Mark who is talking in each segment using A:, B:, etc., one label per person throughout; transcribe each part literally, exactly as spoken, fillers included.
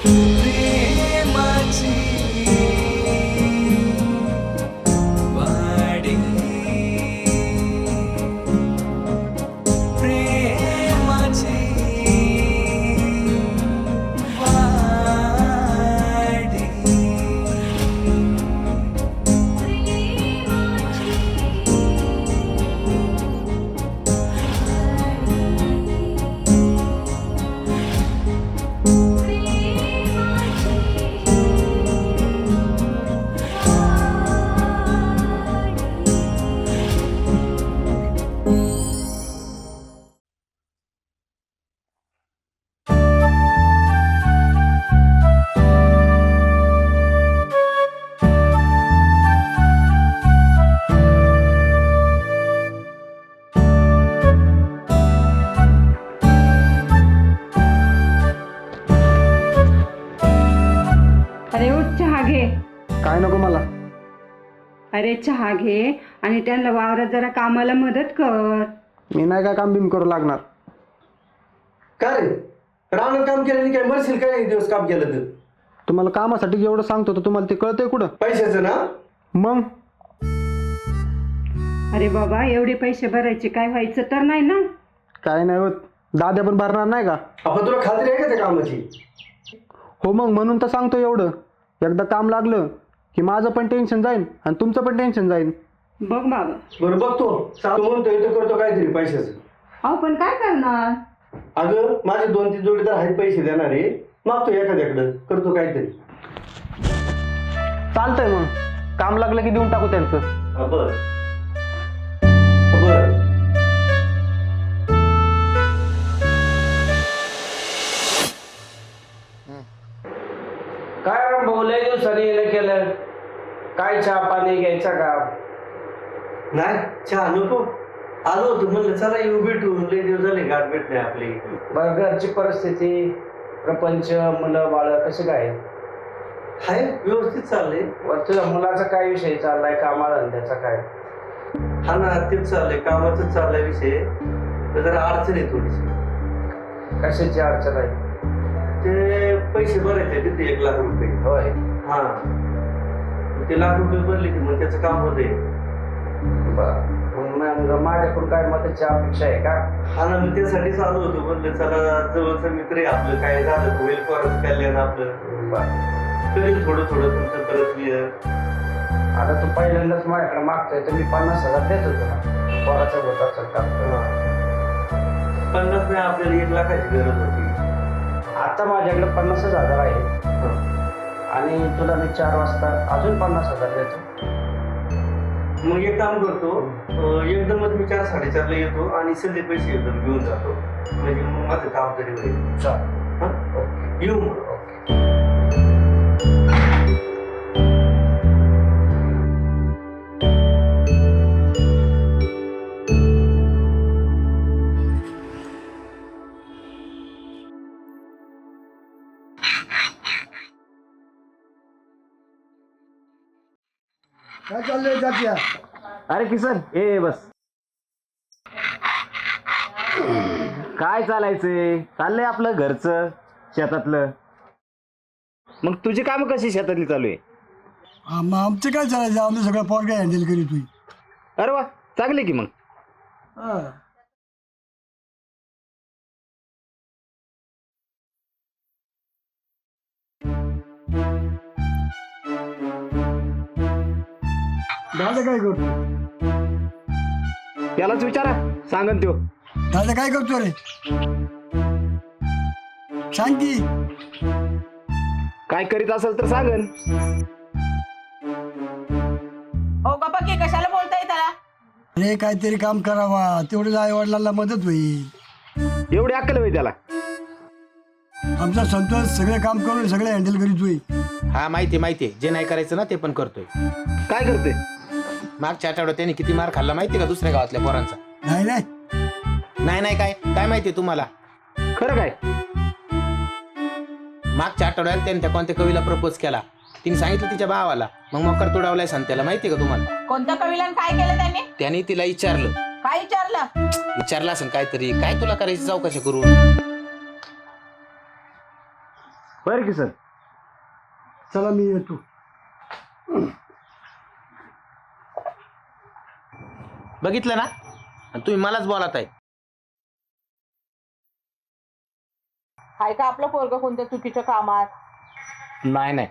A: काय नको मला?
B: अरे चहा घे आणि त्यांना वावरात जरा कामाला मदत कर.
A: मी नाही काय काम बिम करू लागणार.
C: का रे रानात काम केलं काय मरशील काय दिवस काम केलं तर?
A: तुम्हाला कामासाठी जेवढं सांगतो तर तुम्हाला ते कळतंय कुठं?
C: पैशाचं ना
A: मग.
B: अरे बाबा एवढे पैसे भरायचे काय व्हायचं तर नाही ना?
A: काय नाही होत. दाद्या पण भरणार नाही का?
C: आपण तुला खात्री आहे का त्या कामाची?
A: हो मग म्हणून तर सांगतो एवढं. एकदा काम लागलं की माझं पण टेन्शन जाईल आणि तुमचं पण टेन्शन जाईल.
B: बघ बाबा.
C: बरं बघतो सांगतो म्हणतोय तो करतो काहीतरी पैशाचं.
B: अहो पण काय करणार?
C: अगं माझे दोन तीन जोडीदार आहेत पैसे देणारे, मागतो एखाद्याकडं करतो काहीतरी.
A: चालतंय मग. काम लागलं की देऊन टाकू त्यांचं.
C: हा बर बर.
D: काय राम भाऊ लय दिवसांनी येणं केलं. काय चहा पाणी घ्यायचा का?
C: नाही चहा नको. आलो होतो म्हणलं चला येऊ भेटू. लय दिवस झाले गाठ भेट नाही आपली.
D: बरं घरची परिस्थिती प्रपंच मुलं बाळ कसं काय?
C: हाय व्यवस्थित चाललंय.
D: वर तुझ्या मुलाचा काय विषय चाललाय? कामाला धंद्याचा काय?
C: हा ना तेच चाललंय कामाचाच चाललाय विषय. जरा अडचण आहे थोडीशी.
D: कशाची अडचण आहे?
C: ते पैसे भरायचे तिथे एक लाख रुपये.
D: होय.
C: हा ते लाख रुपये भरले की मग त्याचं काम होतंय.
D: बर मग माझ्याकडून काय मदतीची अपेक्षा आहे का?
C: हा ना मी त्यासाठीच आलो होतो. म्हणलं चला जवळचं मित्र आहे आपलं, काय झालं होईल परत कल्याण आपलं. करेल थोडं थोडं तुमचं परत मी.
D: आता तू पहिल्यांदाच माझ्याकडे मागतोय तर मी पन्नास हजार देत होतो ना. पोराचा होता सरकार.
C: पन्नास नाही आपल्याला एक लाखाची गरज होती.
D: आता माझ्याकडे पन्नासच हजार आहे आणि तुला मी चार वाजता अजून पन्नास हजार देतो.
C: मग एक काम करतो एकदमच मी चार साडेचारला येतो आणि सगळे पैसे एकदम घेऊन जातो. म्हणजे मग माझं काम तरी होईल.
D: चाल
C: येऊ मग.
E: काय चाललंय जात्या?
F: अरे किसन ए बस. काय चालायचंय? चाललंय आपलं घरचं शेतातलं. मग तुझी काम कशी शेतातली चालू आहे?
E: हा मग आमचं काय चालायचं? आम्ही सगळं पॉट काय हँडल करीत होई.
F: अरे वा चांगले की मग.
E: हा दादा काय करतो?
F: त्यालाच विचारा सांगन त्यो.
E: दादा काय करतो रे? सांग की.
F: काय करीत असेल तर सांगन.
G: हो का पक्की कशाला बोलताय त्याला?
E: अरे काहीतरी काम करावा तेवढं आई वडिलांना मदत होईल.
F: एवढी अक्कल होई त्याला?
E: आमचा संतोष सगळे काम करून सगळे हँडल करीत होई.
H: हा माहिती माहिती जे नाही करायचं ना ते पण करतोय.
F: काय करते?
H: मागच्या आठवड्यात त्याने किती मार खाल्ला माहिती का दुसऱ्या गावातल्या पोरांचा?
E: नाही नाही
H: नाही नाही काय काय माहिती तुम्हाला?
F: खरं काय?
H: मागच्या आठवड्यात त्याने त्या कोणत्या कवीला प्रपोज केला. तिने सांगितलं तिच्या भावाला. मग मकर तोडावलाय सांगत्याला माहिती का तुम्हाला?
G: कोणत्या कविला काय केलं त्यांनी?
H: त्याने तिला विचारलं.
G: काय विचारलं?
H: विचारलं असेल काहीतरी काय तुला करायची चौकशी करून.
F: बरं की सर.
E: चला मी येतो.
H: बघितलं ना, आणि तुम्ही मलाच बोलत आहे.
G: हाय का आपलं पोरग कोणत्या चुकीच्या कामात?
F: नाही नाही.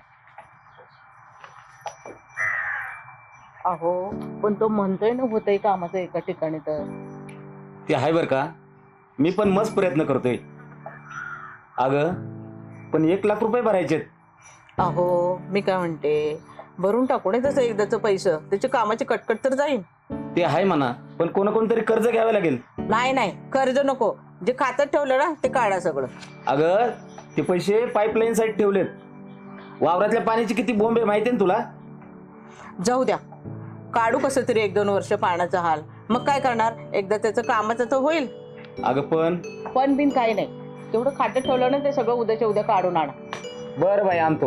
G: अहो पण तो म्हणतोय ना होतंय कामाचं एका ठिकाणी तर.
F: ते आहे बरं का, मी पण मस्त प्रयत्न करतोय. अगं पण एक लाख रुपये भरायचे.
G: अहो मी काय म्हणते, भरून टाकू नये तसं एकदाचं पैसे, त्याची कामाची कटकट तर जाईल.
F: ते आहे म्हणा, पण कोणा कोणतरी कर्ज घ्यावं लागेल.
G: नाही नाही कर्ज नको, जे खात्यात ठेवलं ना ते काढा सगळं.
F: अगं ते पैसे पाईपलाईन साठी ठेवलेत. वावरातल्या पाण्याची किती बोंब आहे माहिती ना तुला.
G: जाऊ द्या, काढू कसं तरी एक दोन वर्ष पाण्याचा हाल, मग काय करणार, एकदा त्याचं कामाचं तर होईल.
F: अगं पण
G: पण बिन काही नाही, तेवढं खात्यात ठेवलं ना ते सगळं उद्याच्या उद्या काढून आणा.
F: बरं बाई आणतो.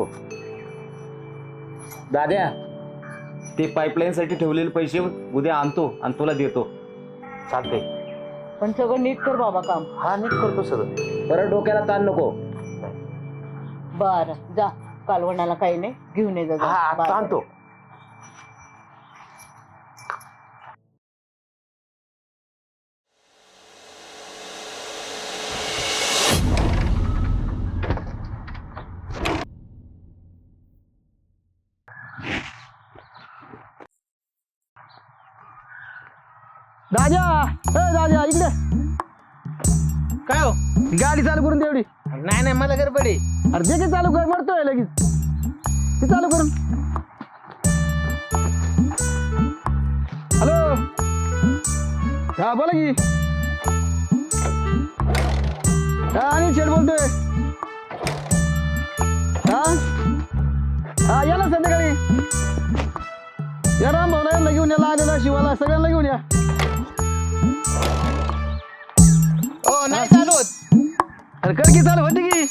F: दाद्या ते पाईपलाईन साठी ठेवलेले पैसे उद्या आणतो आणि तुला देतो.
H: चालतंय.
G: पण सगळं नीट कर बाबा काम.
H: हा नीट करतो सगळं.
F: परत डोक्याला ताण नको.
G: बरं जा, कालवणाला काही नाही घेऊन ये जा.
H: हा आता
G: बाजार.
H: आणतो.
A: दादा, ए दादा इकडे.
H: काय हो?
A: गाडी चालू करून दे एवढी.
H: नाही नाही मला गडबड आहे.
A: अरे जे काही चालू कर, मरतोय लगेच. ते चालू करून. हॅलो, हा बोला की. हा अनिल शेठ बोलतोय. हा हा या ना संध्याकाळी. या राम भाऊला यांना घेऊन या, आलेला शिवाला सगळ्यांना घेऊन या.
H: हो नाही चालू होत.
A: अरे कर की चालू होती की.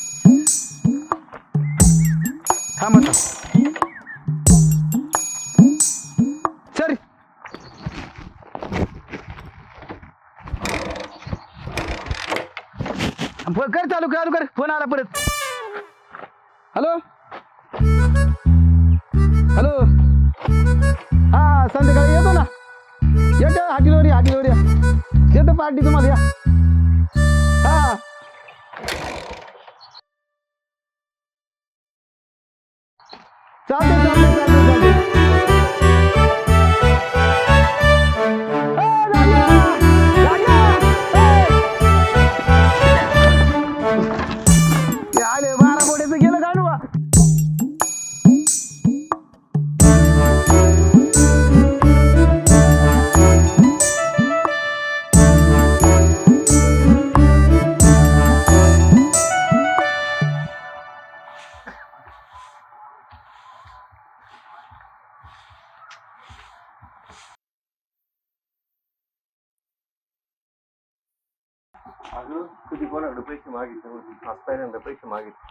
A: हा मग सर कर चालू चालू कर. फोन आला परत. हॅलो हॅलो, हा संध्याकाळी येतो ना. येतो हाटीवर या, हाटीवर या. येतो पार्टी तुम्हाला या. हा चालते चालते चालते चालते. ए, राजा! राजा! ए! ते आले बारा बोड्याचं गेलं काढू.
C: अगं कधी कोणाकडे पैसे मागितले नव्हते, आज पहिल्यांदा पैसे मागितले.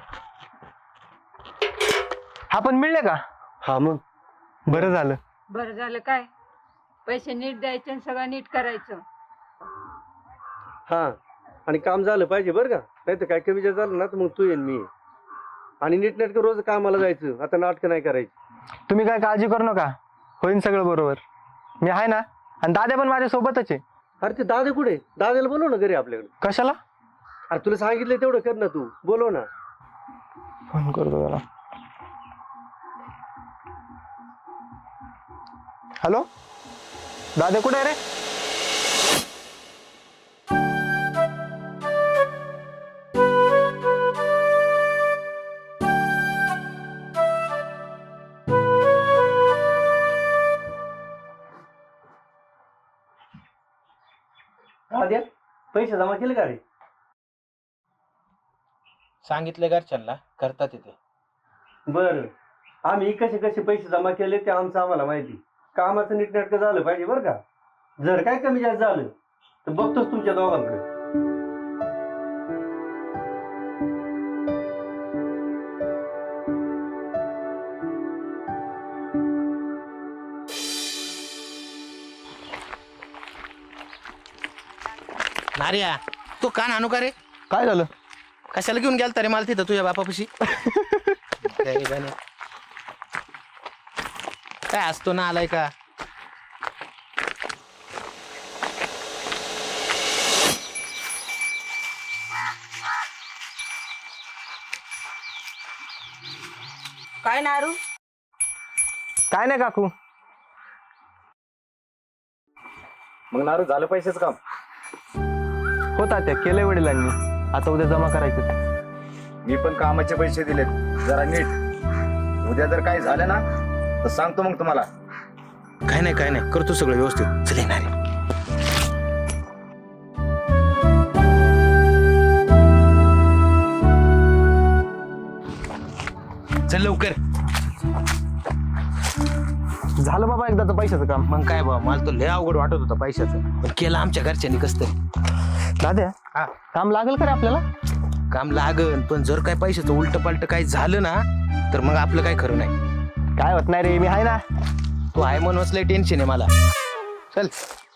A: आपण मिळले का?
C: हा मग
A: बरं झालं.
B: बरं झालं काय, पैसे नीट द्यायचे आणि सगळं नीट करायचं.
C: हा, आणि काम झालं पाहिजे बरं का, नाही तर काय कमी जास्त झालं ना तर मग तू येईन मी. आणि नीटनेटकं रोज कामाला जायचं, आता नाटकं नाही करायची.
A: तुम्ही काय काळजी करू नका, होईन सगळं बरोबर. मी आहे ना, आणि दादा पण माझ्या सोबतच आहे.
C: अरे ते दादा कुठे? दादाला बोलव ना घरी आपल्याकडे.
A: कशाला?
C: अरे तुला सांगितलं तेवढं कर ना, तू बोलव ना.
A: फोन करतो त्याला. हॅलो दादा, कुठे आहे रे?
C: दाद्या पैसे जमा केले का रे?
H: सांगितलं घरच्यांना, करतात तिथे.
C: बरं, आम्ही कसे कसे पैसे जमा केले ते आमचं आम्हाला माहिती. कामाचं नीटनेटकं झालं पाहिजे बरं का. जर काय कमी जास्त झालं तर बघतोच तुमच्या दोघांकडे.
H: नार्या तू कान आणू का रे?
A: काय झालं?
H: कशाला घेऊन गेलता रे मला तिथं तुझ्या बापापाशी? काय गाणे. काय असतो ना आलाय का?
G: काय नारू?
A: काय नाही काकू.
F: मग नारू झालं पैशाचं काम?
A: होता त्या केलंय वडिलांनी, आता उद्या जमा करायचे.
F: मी पण कामाचे पैसे दिलेत जरा नीट. उद्या जर काही झालं ना तर सांगतो मग तुम्हाला.
H: काय नाही काय नाही करतो सगळं व्यवस्थित. चल येणार आहे. चल लवकर.
A: झालं बाबा एकदाचं पैशाचं काम.
H: मग काय बाबा मला तो लय अवघड वाटत होता पैशाचं, पण केलं आमच्या घरच्यांनी कस तरी.
A: दाद्या
H: हा
A: काम लागेल का रे आपल्याला?
H: काम लागन, पण जर काय पैशाचं उलट पालट काही झालं ना तर मग आपलं काय खरं नाही.
A: काय होत नाही रे, मी आहे ना.
H: तू आहे म्हणूनच लय टेन्शन आहे मला. चल.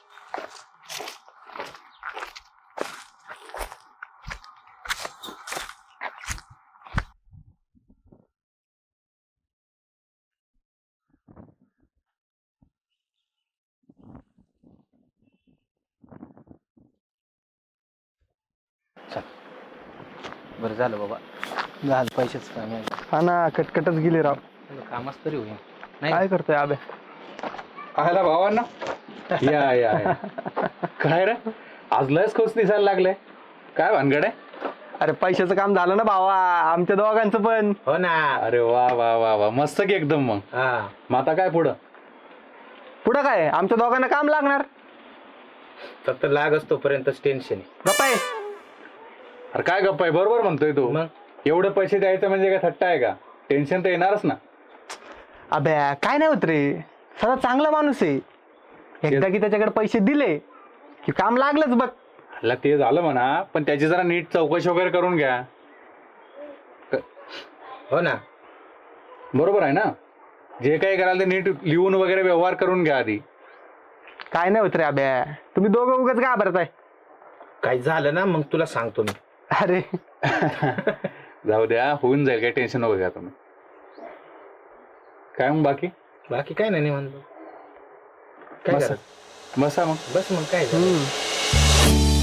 H: बरं झालं बाबा, झालं पैशाचं काम आहे.
A: हा ना, कटकटच गेली राव.
H: कामच तरी होईल नाही.
A: काय करतोय आबे?
I: आला भावांना या या या. काय रे आज लयच खुश दिसायला लागले, काय भानगड आहे?
A: अरे पैशाचं काम झालं ना भावा, आमच्या दोघांचं पण.
H: हो ना.
I: अरे वा वा वा वा, मस्त की एकदम. मग
H: हा
I: मग आता काय पुढं?
A: पुढं काय, आमच्या दोघांना काम लागणार.
H: फक्त लाग असतोपर्यंतच टेन्शन आहे.
A: गप्पा आहे.
I: अरे काय गप्पा आहे, बरोबर म्हणतोय तू.
H: मग
I: एवढे पैसे द्यायचं म्हणजे काय थट्टा आहे का? टेन्शन तर येणारच ना.
A: अबे काय नाही होत रे, सगळं चांगला माणूस आहे. एकदा की त्याच्याकडे पैसे दिले की काम लागलंच बघ.
I: अला ते झालं म्हणा, पण त्याची जरा नीट चौकशी वगैरे करून घ्या.
H: हो ना.
I: बरोबर आहे ना? जे काही कराल ते नीट लिहून वगैरे व्यवहार करून घ्या आधी.
A: काय नाही होत रे अभ्या, तुम्ही दोघं उगाच घाबरत आहे.
H: काही झालं ना मग तुला सांगतो मी.
A: अरे
I: जाऊ द्या, होऊन जाईल, काही टेन्शन नको घ्या तुम्ही. काय मग बाकी?
H: बाकी काय नाही म्हणतो. काय
I: बसा
H: झालं?
I: बसा मग.
H: बस मग काय झालं?
A: हम्म.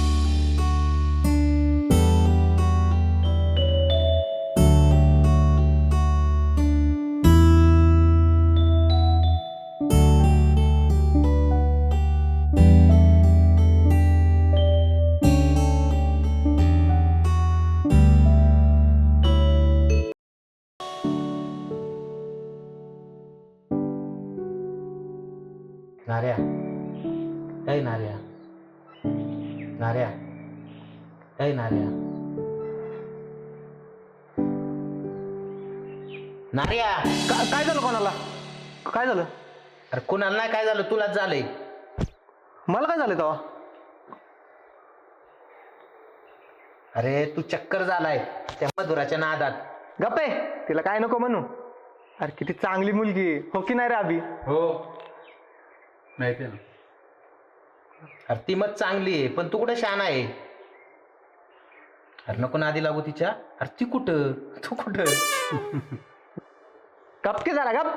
H: नार्या, काही नार्या, नार्या, काही नार्या, नार्या.
A: का- काय झालं कोणाला? काय झालं?
H: अरे कुणाला नाही काय झालं, तुलाच झालंय.
A: मला काय झालं तेव्हा?
H: अरे तू चक्कर झालाय त्या मधुराच्या नादात.
A: गप्पे, तिला काय नको म्हणू. अरे किती चांगली मुलगी आहे. हो की नाही रे अभि?
I: हो माहिती आहे ना.
H: अरे ती मत चांगली आहे, पण तू कुठं शान आहे. अरे नको नादी लागू तिच्या. अरे ती कुठं, तू कुठं.
A: गपके झाला गप.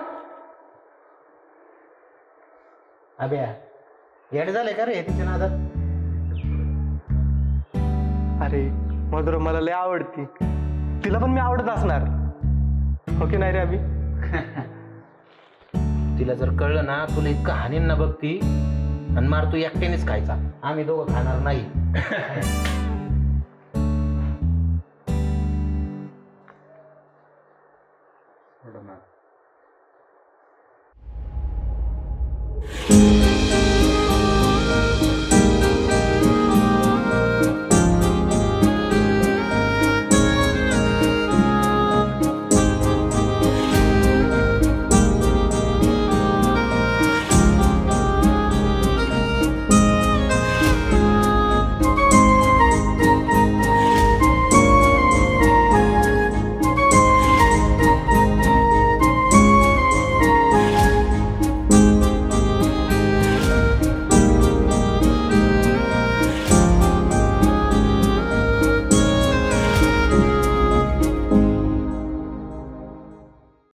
H: अभ्या येड झालंय का रे तिच्या नादात.
A: अरे मधुर मला लय आवडती, तिला पण मी आवडत असणार. हो की नाही रे अभि?
H: तिला जर कळलं ना तुला इतकं हानीन ना बघ ती, आणि मार तू एकट्यानेच खायचा, आम्ही दोघं खाणार नाही.